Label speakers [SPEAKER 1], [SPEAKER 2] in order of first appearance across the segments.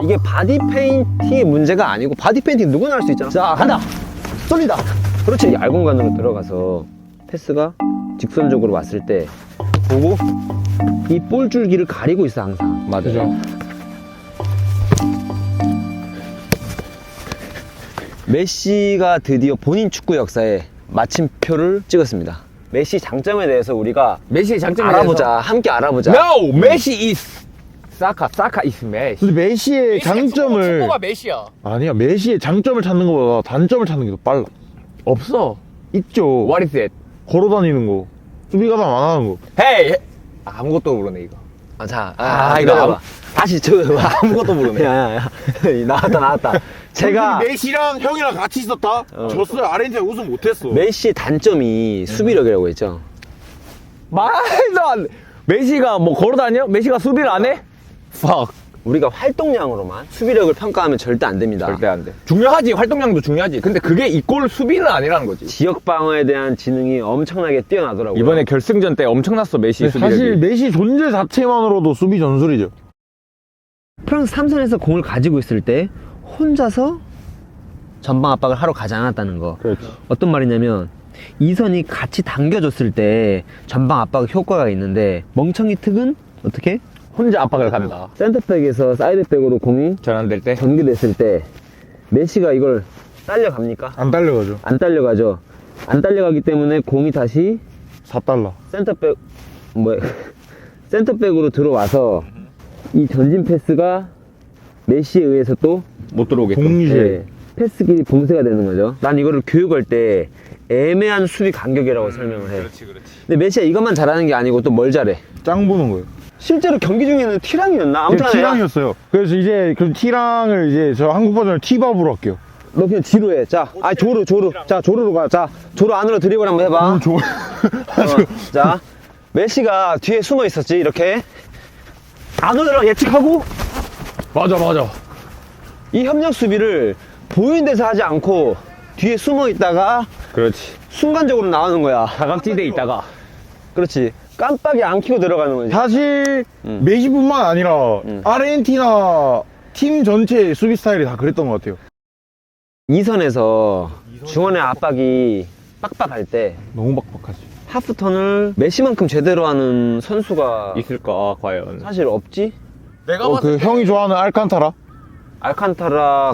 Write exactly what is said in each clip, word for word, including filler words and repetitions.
[SPEAKER 1] 이게 바디 페인팅의 문제가 아니고 바디 페인팅 누구나 할 수 있잖아. 자, 간다. 쏠린다. 그렇지. 이 얇은 관으로 들어가서 패스가 직선적으로 왔을 때 보고 이 볼 줄기를 가리고 있어 항상.
[SPEAKER 2] 맞아요.
[SPEAKER 1] 메시가 드디어 본인 축구 역사에 마침표를 찍었습니다. 메시 장점에 대해서 우리가
[SPEAKER 2] 메시의 장점에
[SPEAKER 1] 알아보자.
[SPEAKER 2] 대해서.
[SPEAKER 1] 함께 알아보자.
[SPEAKER 2] No, 메시 is 사카, 사카 is 메시.
[SPEAKER 3] 근데 메시의 장점을
[SPEAKER 4] 축구가 메시야.
[SPEAKER 3] 아니야, 메시의 장점을 찾는 것보다 단점을 찾는 게 더 빨라.
[SPEAKER 2] 없어.
[SPEAKER 3] 있죠.
[SPEAKER 2] What is it?
[SPEAKER 3] 걸어다니는 거, 수비 가담 안 하는 거.
[SPEAKER 2] Hey, 아무것도 모르네 이거.
[SPEAKER 1] 아, 자,
[SPEAKER 2] 아,
[SPEAKER 1] 아,
[SPEAKER 2] 이거
[SPEAKER 1] 이거
[SPEAKER 2] 아무-
[SPEAKER 1] 다시 저
[SPEAKER 2] 아무것도 모르네.
[SPEAKER 1] 야야야 나왔다 나왔다. 제가
[SPEAKER 3] 메시랑 형이랑 같이 있었다. 졌어요. 아르헨티나 우승 못했어.
[SPEAKER 1] 메시의 단점이 수비력이라고 했죠.
[SPEAKER 2] 말도 안 돼. 메시가 뭐 걸어다녀? 메시가 수비를 안 해? Fuck.
[SPEAKER 1] 우리가 활동량으로만 수비력을 평가하면 절대 안 됩니다.
[SPEAKER 2] 절대 안 돼. 중요하지. 활동량도 중요하지. 근데 그게 이골 수비는 아니라는 거지.
[SPEAKER 1] 지역 방어에 대한 지능이 엄청나게 뛰어나더라고요.
[SPEAKER 2] 이번에 결승전 때 엄청났어 메시 수비력이.
[SPEAKER 3] 사실 메시 존재 자체만으로도 수비 전술이죠.
[SPEAKER 1] 프랑스 삼 선에서 공을 가지고 있을 때 혼자서 전방 압박을 하러 가지 않았다는 거.
[SPEAKER 3] 그렇지.
[SPEAKER 1] 어떤 말이냐면 이 선이 같이 당겨줬을 때 전방 압박 효과가 있는데 멍청이 특은 어떻게?
[SPEAKER 2] 혼자 압박을 간다.
[SPEAKER 1] 센터백에서 사이드백으로 공이
[SPEAKER 2] 전환될 때.
[SPEAKER 1] 전개됐을 때 메시가 이걸 딸려갑니까?
[SPEAKER 3] 안 딸려가죠.
[SPEAKER 1] 안 딸려가죠. 안 딸려가기 때문에 공이 다시
[SPEAKER 3] 사 달러.
[SPEAKER 1] 센터백 뭐 센터백으로 들어와서 이 전진 패스가 메시에 의해서 또
[SPEAKER 2] 못 들어오겠고.
[SPEAKER 3] 동시에.
[SPEAKER 1] 예, 패스 길이 봉쇄가 되는 거죠. 난 이거를 교육할 때 애매한 수비 간격이라고 설명을 해.
[SPEAKER 4] 그렇지, 그렇지.
[SPEAKER 1] 근데 메시가 이것만 잘하는 게 아니고 또 뭘 잘해?
[SPEAKER 3] 짱 보는 거예요.
[SPEAKER 1] 실제로 경기 중에는 티랑이었나? 아무튼
[SPEAKER 3] 이게 T랑이었어요. 그래서 이제 그 T랑을 이제 저 한국 버전을 T밥으로 할게요.
[SPEAKER 1] 너 그냥 뒤로 해. 자, 아 조르 조르. 자 조르로 가. 자 조르 안으로 드리블 한번 해봐.
[SPEAKER 3] 음, 좋아.
[SPEAKER 1] 어, 자, 메시가 뒤에 숨어 있었지, 이렇게. 안으로 예측하고,
[SPEAKER 2] 맞아 맞아.
[SPEAKER 1] 이 협력 수비를 보이는 데서 하지 않고, 뒤에 숨어 있다가,
[SPEAKER 2] 그렇지.
[SPEAKER 1] 순간적으로 나오는 거야.
[SPEAKER 2] 사각지대에 있다가.
[SPEAKER 1] 그렇지. 깜빡이 안 켜고 들어가는 거지.
[SPEAKER 3] 사실
[SPEAKER 1] 음.
[SPEAKER 3] 메시뿐만 아니라
[SPEAKER 1] 음.
[SPEAKER 3] 아르헨티나 팀 전체 수비 스타일이 다 그랬던 것 같아요.
[SPEAKER 1] 이 선에서 중원의 압박이 빡빡할 때,
[SPEAKER 3] 너무 빡빡하지.
[SPEAKER 1] 하프턴을 메시만큼 제대로 하는 선수가
[SPEAKER 2] 있을까 과연.
[SPEAKER 1] 사실 없지?
[SPEAKER 4] 내가
[SPEAKER 3] 어,
[SPEAKER 4] 봤을
[SPEAKER 3] 그
[SPEAKER 4] 때
[SPEAKER 3] 형이 좋아하는 알칸타라?
[SPEAKER 1] 알칸타라,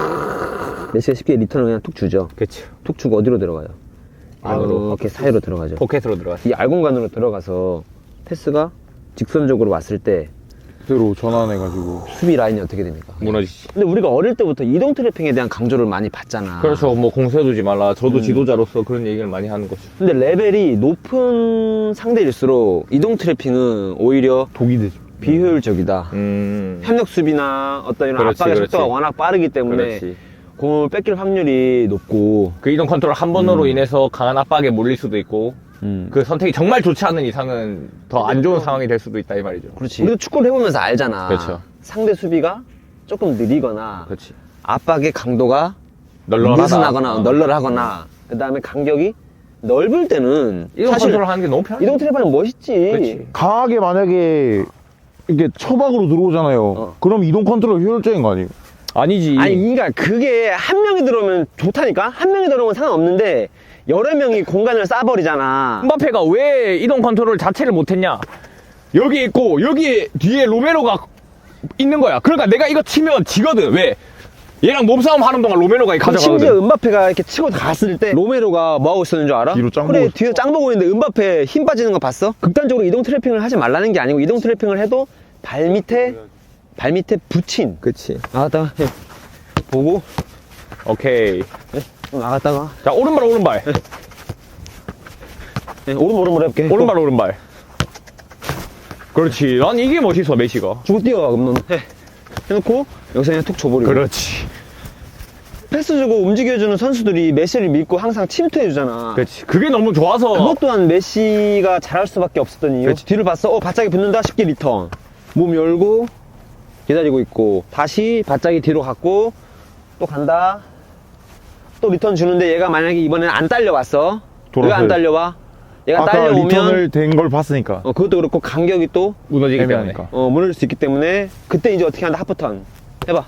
[SPEAKER 1] 크으, 메시가 쉽게 리턴을 그냥 툭 주죠.
[SPEAKER 2] 그치.
[SPEAKER 1] 툭 주고 어디로 들어가요?
[SPEAKER 2] 안으로.
[SPEAKER 1] 이렇게 사이로 들어가죠.
[SPEAKER 2] 포켓으로 들어갔어.
[SPEAKER 1] 이 알공간으로 들어가서 패스가 직선적으로 왔을 때
[SPEAKER 3] 그대로 전환해가지고.
[SPEAKER 1] 수비 라인이 어떻게 됩니까?
[SPEAKER 2] 무너지지.
[SPEAKER 1] 근데 우리가 어릴 때부터 이동 트래핑에 대한 강조를 많이 받잖아.
[SPEAKER 2] 그래서 뭐 공세두지 말라. 저도 지도자로서 그런 얘기를 많이 하는 거죠.
[SPEAKER 1] 근데 레벨이 높은 상대일수록 이동 트래핑은 오히려
[SPEAKER 3] 독이 되죠.
[SPEAKER 1] 비효율적이다.
[SPEAKER 2] 음.
[SPEAKER 1] 협력 수비나 어떤 이런
[SPEAKER 2] 그렇지,
[SPEAKER 1] 압박의
[SPEAKER 2] 그렇지.
[SPEAKER 1] 속도가 워낙 빠르기 때문에
[SPEAKER 2] 그렇지.
[SPEAKER 1] 공을 뺏길 확률이 높고
[SPEAKER 2] 그 이동 컨트롤 한 번으로 인해서 강한 압박에 몰릴 수도 있고
[SPEAKER 1] 음.
[SPEAKER 2] 그 선택이 정말 좋지 않은 이상은 더 안 좋은 상황이 될 수도 있다 이 말이죠.
[SPEAKER 1] 그렇지. 우리도 축구를 해보면서 알잖아.
[SPEAKER 2] 그렇죠.
[SPEAKER 1] 상대 수비가 조금 느리거나
[SPEAKER 2] 그렇지.
[SPEAKER 1] 압박의 강도가
[SPEAKER 2] 널널하다.
[SPEAKER 1] 느슨하거나
[SPEAKER 2] 어.
[SPEAKER 1] 널널하거나 그 다음에 간격이 넓을 때는
[SPEAKER 2] 이동
[SPEAKER 1] 사실
[SPEAKER 2] 컨트롤 하는 게 너무 편해.
[SPEAKER 1] 이동 트래핑은 멋있지.
[SPEAKER 2] 그렇지.
[SPEAKER 3] 강하게 만약에 이게 처박으로 들어오잖아요.
[SPEAKER 1] 어.
[SPEAKER 3] 그럼 이동 컨트롤 효율적인 거 아니에요?
[SPEAKER 2] 아니지.
[SPEAKER 1] 아니 그러니까 그게 한 명이 들어오면 좋다니까. 한 명이 들어오면 상관없는데 여러 명이 공간을 싸버리잖아.
[SPEAKER 2] 음바페가 왜 이동 컨트롤 자체를 못했냐? 여기 있고 여기 뒤에 로메로가 있는 거야. 그러니까 내가 이거 치면 지거든. 왜? 얘랑 몸싸움 하는 동안 로메로가
[SPEAKER 1] 심지어
[SPEAKER 2] 가져가거든.
[SPEAKER 1] 은바페가 이렇게 치고 갔을 때 로메로가 뭐 하고 있었는 줄 알아?
[SPEAKER 3] 뒤로 짱
[SPEAKER 1] 그래
[SPEAKER 3] 보고
[SPEAKER 1] 뒤에 짱 보고 있는데 은바페 힘 빠지는 거 봤어? 극단적으로 이동 트래핑을 하지 말라는 게 아니고 이동 트래핑을 해도 발 밑에 발 밑에 붙인
[SPEAKER 2] 그치.
[SPEAKER 1] 나갔다가 해. 보고
[SPEAKER 2] 오케이.
[SPEAKER 1] 해. 나갔다가
[SPEAKER 2] 자 오른발 오른발.
[SPEAKER 1] 해. 오른 오른발 해볼게.
[SPEAKER 2] 오른발 오른발. 그렇지. 난 이게 멋있어 메시가.
[SPEAKER 1] 주고 뛰어가 그럼 너는 해. 해놓고 여기서 그냥 툭 줘버리고.
[SPEAKER 2] 그렇지.
[SPEAKER 1] 패스 주고 움직여주는 선수들이 메시를 믿고 항상 침투해주잖아.
[SPEAKER 2] 그렇지. 그게 너무 좋아서.
[SPEAKER 1] 그것 또한 메시가 잘할 수밖에 없었던 이유.
[SPEAKER 2] 그치.
[SPEAKER 1] 뒤를 봤어. 어, 바짝이 붙는다. 쉽게 리턴. 몸 열고 기다리고 있고 다시 바짝이 뒤로 갔고 또 간다. 또 리턴 주는데 얘가 만약에 이번에는 안 딸려왔어. 왜 안
[SPEAKER 3] 돌아서요.
[SPEAKER 1] 딸려와? 얘가
[SPEAKER 3] 아까
[SPEAKER 1] 딸려오면
[SPEAKER 3] 리턴을 된 걸 봤으니까.
[SPEAKER 1] 어, 그것도 그렇고 간격이 또
[SPEAKER 2] 무너지기 때문에.
[SPEAKER 3] 애매하니까.
[SPEAKER 1] 어, 무너질 수 있기 때문에 그때 이제 어떻게 한다. 하프턴. 해봐.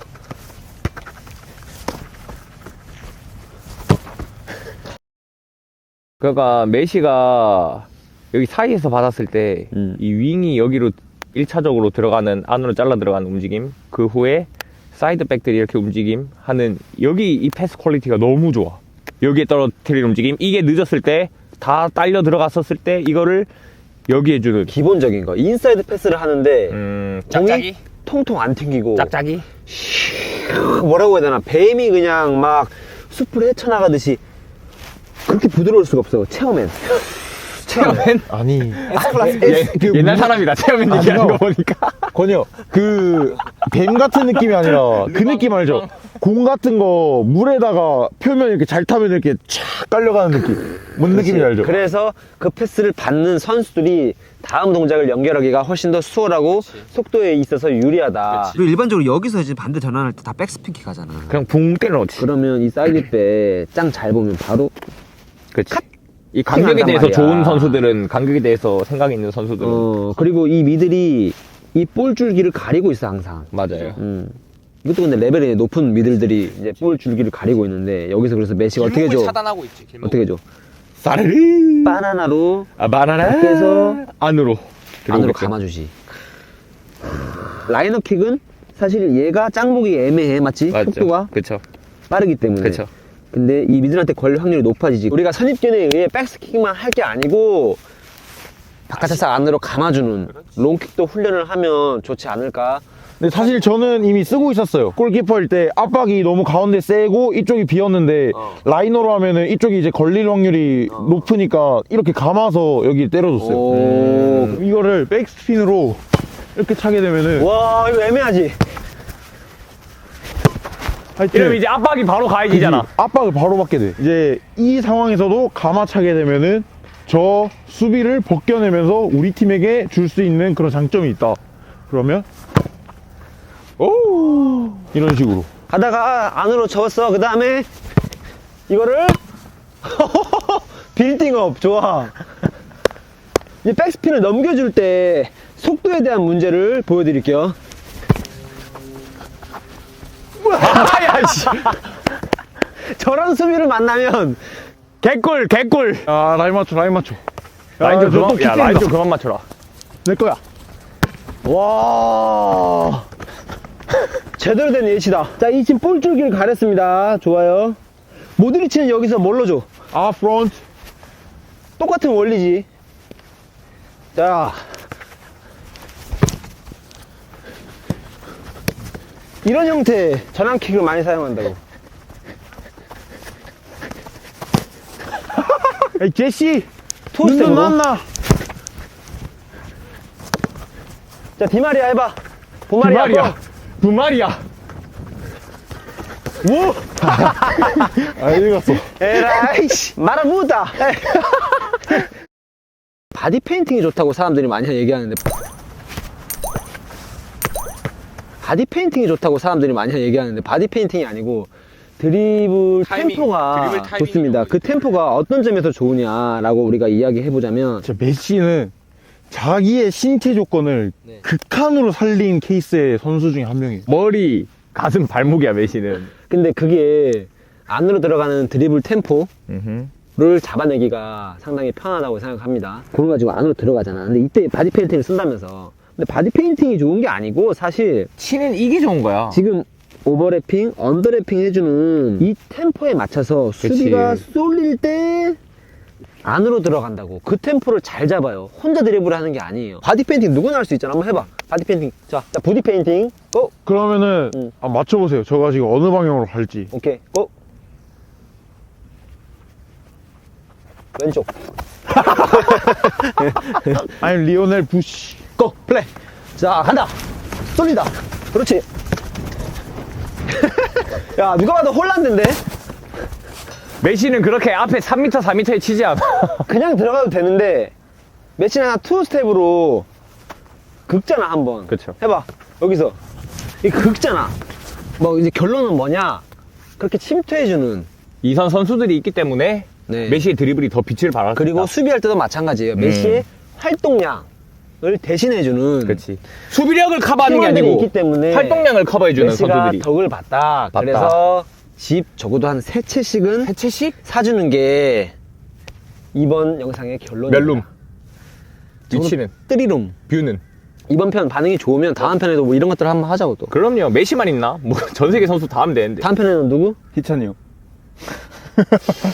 [SPEAKER 2] 그러니까 메시가 여기 사이에서 받았을 때 이
[SPEAKER 1] 음.
[SPEAKER 2] 윙이 여기로 일 차적으로 들어가는, 안으로 잘라 들어가는 움직임, 그 후에 사이드백들이 이렇게 움직임 하는, 여기 이 패스 퀄리티가 너무 좋아. 여기에 떨어뜨리는 움직임, 이게 늦었을 때 다 딸려 들어갔었을 때 이거를 여기에 주는
[SPEAKER 1] 기본적인 거. 인사이드 패스를 하는데
[SPEAKER 2] 음,
[SPEAKER 1] 공이
[SPEAKER 2] 짝짝이?
[SPEAKER 1] 통통 안 튕기고
[SPEAKER 2] 짝짝이?
[SPEAKER 1] 뭐라고 해야 되나, 뱀이 그냥 막 숲을 헤쳐나가듯이 그렇게 부드러울 수가 없어. 체어맨.
[SPEAKER 2] 체어맨?
[SPEAKER 3] 아니.
[SPEAKER 1] S클래스
[SPEAKER 2] 예,
[SPEAKER 1] S.
[SPEAKER 3] 그
[SPEAKER 2] 옛날
[SPEAKER 3] 무-
[SPEAKER 2] 사람이다. 체어맨
[SPEAKER 3] 아,
[SPEAKER 2] 얘기하는
[SPEAKER 3] 그거-
[SPEAKER 2] 거 보니까.
[SPEAKER 3] 건요, 그, 뱀 같은 느낌이 아니라 그 느낌 알죠? 공 같은 거 물에다가 표면 이렇게 잘 타면 이렇게 촥 깔려가는 느낌. 뭔 느낌인지 알죠?
[SPEAKER 1] 그래서 그 패스를 받는 선수들이 다음 동작을 연결하기가 훨씬 더 수월하고 속도에 있어서 유리하다.
[SPEAKER 4] 그리고 일반적으로 여기서 이제 반대 전환할 때 다 백스피키 가잖아.
[SPEAKER 2] 그냥 붕 때려놓지.
[SPEAKER 1] 그러면 이 사이드백 짱 잘 보면 바로
[SPEAKER 2] 그치. 이 간격에
[SPEAKER 1] 팅한단
[SPEAKER 2] 대해서
[SPEAKER 1] 말이야.
[SPEAKER 2] 좋은 선수들은, 간격에 대해서 생각이 있는 선수들은.
[SPEAKER 1] 어 그리고 이 미들이 이 볼 줄기를 가리고 있어 항상.
[SPEAKER 2] 맞아요.
[SPEAKER 1] 음. 이것도 근데 레벨이 높은 미들들이 이제 볼 줄기를 가리고 있는데 여기서 그래서 메시가 어떻게 해줘?
[SPEAKER 2] 차단하고 있지.
[SPEAKER 1] 어떻게 해줘?
[SPEAKER 2] 사르르.
[SPEAKER 1] 바나나로
[SPEAKER 2] 아, 바나나.
[SPEAKER 1] 밖에서
[SPEAKER 2] 안으로.
[SPEAKER 1] 안으로
[SPEAKER 2] 들어오겠죠.
[SPEAKER 1] 감아주지. 라이너 킥은 사실 얘가 짱 보기 애매해, 맞지?
[SPEAKER 2] 맞죠.
[SPEAKER 1] 속도가
[SPEAKER 2] 그쵸.
[SPEAKER 1] 빠르기 때문에.
[SPEAKER 2] 그쵸.
[SPEAKER 1] 근데 이 미들한테 걸릴 확률이 높아지지. 우리가 선입견에 의해 백스킥만 할 게 아니고 바깥에서 안으로 감아주는 롱킥도 훈련을 하면 좋지 않을까.
[SPEAKER 3] 근데 사실 저는 이미 쓰고 있었어요. 골키퍼일 때 압박이 너무 가운데 세고 이쪽이 비었는데
[SPEAKER 1] 어.
[SPEAKER 3] 라이너로 하면은 이쪽이 이제 걸릴 확률이 높으니까 이렇게 감아서 여기 때려줬어요.
[SPEAKER 1] 오.
[SPEAKER 3] 음. 이거를 백스핀으로 이렇게 차게 되면은
[SPEAKER 1] 와, 이거 애매하지?
[SPEAKER 3] 하여튼
[SPEAKER 2] 이러면 이제 압박이 바로 가해지잖아.
[SPEAKER 3] 그치? 압박을 바로 받게 돼. 이제 이 상황에서도 감아차게 되면은 저 수비를 벗겨내면서 우리 팀에게 줄 수 있는 그런 장점이 있다. 그러면 오 이런 식으로.
[SPEAKER 1] 가다가 안으로 접었어. 그 다음에 이거를 빌딩업. 좋아. 이제 백스핀을 넘겨줄 때 속도에 대한 문제를 보여드릴게요.
[SPEAKER 2] 아야, 씨.
[SPEAKER 1] 저런 수비를 만나면
[SPEAKER 2] 개꿀, 개꿀.
[SPEAKER 3] 아 라인 맞춰 라인 맞춰.
[SPEAKER 2] 라인 좀
[SPEAKER 3] 저또
[SPEAKER 2] 그만, 야,
[SPEAKER 3] 킥
[SPEAKER 2] 라인
[SPEAKER 3] 때린다.
[SPEAKER 2] 좀 그만 맞춰라.
[SPEAKER 3] 내 거야.
[SPEAKER 1] 와 제대로 된 예시다. 자, 이 지금 볼줄기를 가렸습니다. 좋아요. 모드리치는 여기서 뭘로 줘?
[SPEAKER 3] 아 프론트.
[SPEAKER 1] 똑같은 원리지. 자, 이런 형태의 전환킥을 많이 사용한다고.
[SPEAKER 3] 에이 제시.
[SPEAKER 1] 토스트로.
[SPEAKER 3] 눈 만나.
[SPEAKER 1] 자, 디마리아 해봐. 보마리아.
[SPEAKER 2] 부마리야. 부마리아.
[SPEAKER 1] 뭐?
[SPEAKER 3] 아 읽었어.
[SPEAKER 1] 에라이씨. 마라무다. 바디 페인팅이 좋다고 사람들이 많이 얘기하는데, 바디 페인팅이 좋다고 사람들이 많이 얘기하는데 바디 페인팅이 아니고 드리블
[SPEAKER 2] 타이밍,
[SPEAKER 1] 템포가
[SPEAKER 2] 드리블 타이밍이
[SPEAKER 1] 좋습니다. 그 템포가 어떤 점에서 좋으냐라고 우리가 이야기해보자면,
[SPEAKER 3] 진짜 메시는 자기의 신체 조건을
[SPEAKER 1] 네.
[SPEAKER 3] 극한으로 살린 케이스의 선수 중에 한 명이에요.
[SPEAKER 2] 머리, 가슴, 발목이야, 메시는.
[SPEAKER 1] 근데 그게 안으로 들어가는 드리블 템포를 잡아내기가 상당히 편하다고 생각합니다. 그걸 가지고 안으로 들어가잖아. 근데 이때 바디 페인팅을 쓴다면서. 근데 바디 페인팅이 좋은 게 아니고 사실
[SPEAKER 2] 치는 이게 좋은 거야.
[SPEAKER 1] 지금 오버래핑, 언더래핑 해주는 이 템포에 맞춰서 수비가 쏠릴 때 안으로 들어간다고. 그 템포를 잘 잡아요. 혼자 드리블을 하는 게 아니에요. 바디 페인팅 누구나 할 수 있잖아. 한번 해봐. 바디 페인팅. 자, 자 부디 페인팅. 고!
[SPEAKER 3] 그러면은
[SPEAKER 1] 응.
[SPEAKER 3] 아, 맞춰보세요. 저가 지금 어느 방향으로 갈지.
[SPEAKER 1] 오케이. 고! 왼쪽.
[SPEAKER 3] 아니 리오넬 부시.
[SPEAKER 1] 고! 플레이. 자, 간다. 쏠린다. 그렇지. 야, 누가 봐도 홀란드인데?
[SPEAKER 2] 메시는 그렇게 앞에 삼 미터, 사 미터에 치지 않아.
[SPEAKER 1] 그냥 들어가도 되는데, 매치나 투 스텝으로 긁잖아, 한 번.
[SPEAKER 2] 그쵸.
[SPEAKER 1] 해봐. 여기서. 이 긁잖아. 뭐, 이제 결론은 뭐냐? 그렇게 침투해주는.
[SPEAKER 2] 이선 선수들이 있기 때문에
[SPEAKER 1] 네.
[SPEAKER 2] 메시의 드리블이 더 빛을 발할 수
[SPEAKER 1] 그리고
[SPEAKER 2] 있다.
[SPEAKER 1] 수비할 때도 마찬가지예요. 메시의 활동량. 대신해주는
[SPEAKER 2] 그렇지. 수비력을 커버하는 게
[SPEAKER 1] 팀원들이
[SPEAKER 2] 아니고
[SPEAKER 1] 있기 때문에
[SPEAKER 2] 활동량을 커버해주는
[SPEAKER 1] 메시가
[SPEAKER 2] 선수들이.
[SPEAKER 1] 덕을 봤다.
[SPEAKER 2] 봤다.
[SPEAKER 1] 그래서 집 적어도 한 세 채씩은
[SPEAKER 2] 세 채씩?
[SPEAKER 1] 사주는 게 이번 영상의 결론입니다.
[SPEAKER 2] 몇 룸? 위치는?
[SPEAKER 1] 뜨리룸.
[SPEAKER 2] 뷰는?
[SPEAKER 1] 이번 편 반응이 좋으면 다음 편에도 뭐 이런 것들을 한번 하자고 또.
[SPEAKER 2] 그럼요. 메시만 있나? 뭐 전 세계 선수 다 하면 되는데.
[SPEAKER 1] 다음 편에는 누구?
[SPEAKER 3] 희찬이 형.